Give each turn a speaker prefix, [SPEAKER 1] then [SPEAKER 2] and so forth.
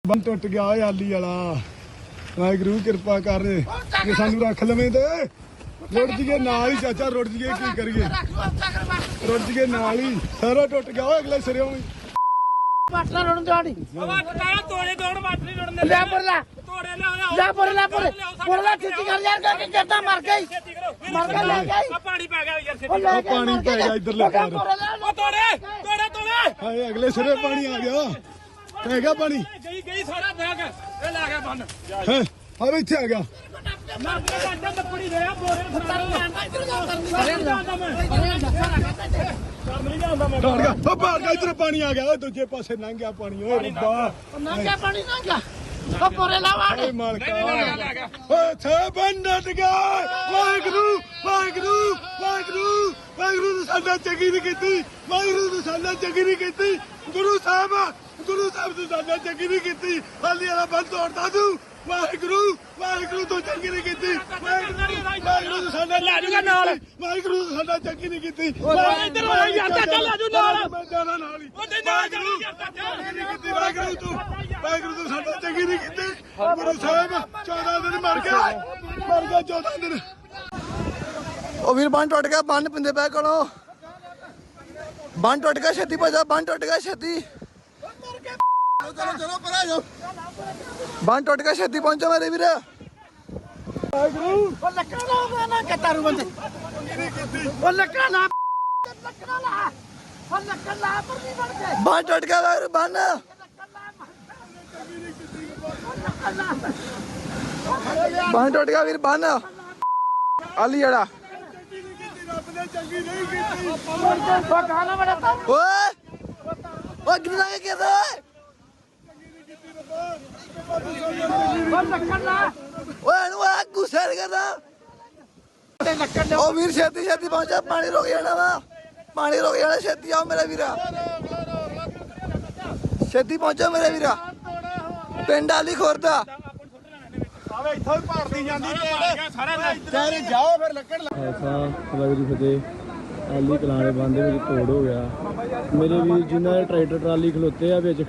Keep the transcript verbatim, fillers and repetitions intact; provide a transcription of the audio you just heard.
[SPEAKER 1] ਬੰਨ ਟੁੱਟ ਗਿਆ ਓਏ ਆਲੀ ਵਾਲਾ। ਵਾਹਿਗੁਰੂ ਕਿਰਪਾ ਕਰ ਜੇ ਸਾਨੂੰ ਰੱਖ ਲਵੇਂ ਤੇ ਰੁੜ ਜੀਏ ਨਾਲ ਹੀ ਚਾਚਾ, ਰੁੜ ਜੀਏ ਕੀ ਕਰੀਏ, ਰੁੜ ਜੀਏ ਨਾਲ ਹੀ। ਸਾਰਾ ਟੁੱਟ ਗਿਆ ਓਏ ਅਗਲੇ ਸਿਰੇ ਵੀ।
[SPEAKER 2] ਮਾਟਲਾ ਰੋਣ ਦਿਹਾੜੀ
[SPEAKER 3] ਤੋੜੇ ਦੋੜ ਮਾਟਲੀ ਰੋਣ
[SPEAKER 2] ਲੈ ਪਰ ਲੈ
[SPEAKER 3] ਤੋੜੇ ਲਿਆ
[SPEAKER 2] ਲੈ ਪਰ ਲੈ ਪਰ ਪਰ ਲੈ ਛੇਤੀ ਕਰ ਯਾਰ ਕਿ ਜੱਟਾ ਮਰ ਗਈ ਮਰ ਗਿਆ ਲੈ ਗਈ।
[SPEAKER 3] ਆ ਪਾਣੀ ਪੈ ਗਿਆ ਯਾਰ
[SPEAKER 2] ਉਹ ਲੈ
[SPEAKER 1] ਉਹ ਪਾਣੀ ਪੈ ਗਿਆ ਇੱਧਰ ਲੈ ਕਰ।
[SPEAKER 3] ਉਹ ਤੋੜੇ ਤੋੜੇ ਤੋੜੇ
[SPEAKER 1] ਹਾਏ ਅਗਲੇ ਸਿਰੇ ਪਾਣੀ ਆ ਗਿਆ, ਪੈ ਗਿਆ ਪਾਣੀ।
[SPEAKER 3] ਗਈ ਗਈ ਸਾਰਾ ਬੈਗ ਇਹ ਲਾ ਗਿਆ ਬੰਨ
[SPEAKER 1] ਹੈ ਆ ਇੱਥੇ ਆ ਗਿਆ।
[SPEAKER 3] ਮਰ ਗਿਆ ਘੰਟਾ ਲੱਕੜੀ ਦੇ ਆ ਬੋਰੇ
[SPEAKER 1] ਡਰ ਗਿਆ ਉਹ ਬਾਹਰ ਗਿਆ, ਇੱਧਰ ਪਾਣੀ ਆ ਗਿਆ ਓਏ, ਦੂਜੇ ਪਾਸੇ ਲੰਘ ਗਿਆ ਪਾਣੀ। ਓਏ ਰੱਬਾ
[SPEAKER 2] ਨੰਗਾ ਪਾਣੀ ਨੰਗਾ ਉਹ ਪੋਰੇ ਲਾ ਵਾੜ
[SPEAKER 1] ਓਏ ਮਾਲਕਾ ਓਏ ਥੇ ਬੰਨਟ ਗਿਆ। ਵਾਹਿਗੁਰੂ ਵਾਹਿਗੁਰੂ ਵਾਹਿਗੁਰੂ ਵਾਹਿਗੁਰੂ ਨੇ ਸਾਡਾ ਚੰਗੀ ਨਹੀਂ ਕੀਤੀ, ਵਾਹਿਗੁਰੂ ਨੇ ਸਾਡਾ ਚੰਗੀ ਨਹੀਂ ਕੀਤੀ। ਗੁਰੂ ਸਾਹਿਬ ਗੁਰੂ ਸਾਹਿਬ ਨੇ ਸਾਡਾ ਚੰਗੀ ਨਹੀਂ ਕੀਤੀ। ਹਾਲੀ ਵਾਲਾ ਬੰਨ ਤੋੜਦਾ ਤੂੰ। ਵਾਹਿਗੁਰੂ ਵਾਹਿਗੁਰੂ ਤੋਂ ਚੰਗੀ ਨਹੀਂ ਕੀਤੀ। ਵਾਹਿਗੁਰੂ ਨੇ ਸਾਡਾ ਲੈ ਜੂਗਾ ਨਾਲ, ਵਾਹਿਗੁਰੂ ਨੇ ਸਾਡਾ ਚੰਗੀ ਨਹੀਂ ਕੀਤੀ।
[SPEAKER 3] ਇੱਧਰ ਆ ਯਾਰ ਚਾਚਾ ਲੈ ਜੂ ਨਾਲ,
[SPEAKER 1] ਮੈਂ ਜਾਣਾ ਨਾਲ ਹੀ।
[SPEAKER 3] ਉਹਦੇ ਨਾਲ ਜਾਣੀ ਯਾਰ ਚਾਚਾ
[SPEAKER 1] ਨਹੀਂ ਕੀਤੀ ਵਾਹਿਗੁਰੂ ਤੂੰ, ਵਾਹਿਗੁਰੂ ਤੂੰ ਸਾਡਾ ਚੰਗੀ ਨਹੀਂ ਕੀਤੀ। ਗੁਰੂ ਸਾਹਿਬ ਚੌਦਾਂ ਦਿਨ ਮਰ ਗਿਆ, ਮਰ ਗਿਆ ਚੌਦਾਂ ਦਿਨ। ਉਹ ਵੀਰ ਬੰਨ ਟੁੱਟ ਗਿਆ, ਬੰਨ ਪਿੰਦੇ ਪੈ ਕੋਲੋਂ ਬੰਨ ਟੁੱਟ ਗਿਆ, ਛੇਤੀ ਭਜਾ, ਬੰਨ ਟੁੱਟ ਗਿਆ ਛੇਤੀ। ਚਲੋ ਚਲੋ ਪਰਾਂ ਜਾਓ, ਬੰਨ ਟੁੱਟ ਗਿਆ, ਛੇਤੀ ਪਹੁੰਚੋ ਮੇਰੇ ਵੀਰ। ਵਾਹਿਗੁਰੂ
[SPEAKER 2] ਉਹ ਲੱਕੜਾ ਲਾ ਨਾ ਕਤਾਰੂ ਬੰਦੇ ਉਹ ਲੱਕੜਾ ਲਾ ਲੱਕੜਾ ਲਾ ਉਹ ਲੱਕੜਾ ਲਾ ਪਰ ਨਹੀਂ ਬਣ ਕੇ
[SPEAKER 1] ਬੰਨ ਟੁੱਟ ਗਿਆ ਵੀਰ, ਬੰਨ ਬੰਨ ਟੁੱਟ ਗਿਆ ਵੀਰ, ਬੰਨ ਆਲੀ ਜੜਾ।
[SPEAKER 2] ਉਹ ਗਾਣਾ ਬੜਾ
[SPEAKER 1] ਓਏ ਓਏ ਕਿੰਨਾ ਕੇ ਕਿਹਦਾ
[SPEAKER 2] ਉਹ ਲੱਕੜ ਲਾ
[SPEAKER 1] ਓਏ ਨੂੰ ਆ ਗੁੱਸੇ ਕਰਦਾ।
[SPEAKER 2] ਤੇ ਲੱਕੜ
[SPEAKER 1] ਉਹ ਵੀਰ ਛੇਤੀ ਛੇਤੀ ਪਹੁੰਚਾ, ਪਾਣੀ ਰੁਕ ਜਾਣਾ ਵਾ, ਪਾਣੀ ਰੁਕ ਜਾਣਾ। ਛੇਤੀ ਆਓ ਮੇਰੇ ਵੀਰਾ, ਛੇਤੀ ਪਹੁੰਚੋ ਮੇਰੇ ਵੀਰਾ। ਪਿੰਡ ਆਲੀ ਖੁਰਦਾ
[SPEAKER 3] ਆਵੇ ਇੱਥੋਂ ਹੀ ਭਾਰਤੀ ਜਾਂਦੀ ਤੇ ਸਾਰਾ
[SPEAKER 1] ਤੇਰੇ ਜਾਓ ਫਿਰ ਲੱਕੜ
[SPEAKER 4] ਐਸਾ ਵਾਹਿਗੁਰੂ ਫਤਿਹ। ਆਲੀ ਕਲਾਣੇ ਬੰਦ ਵਿੱਚ ਤੋੜ ਹੋ ਗਿਆ। ਮੇਰੇ ਵੀਰ ਜਿਨ੍ਹਾਂ ਦੇ ਟਰੈਕਟਰ ਟਰਾਲੀ ਖਲੋਤੇ ਆ ਵਿੱਚ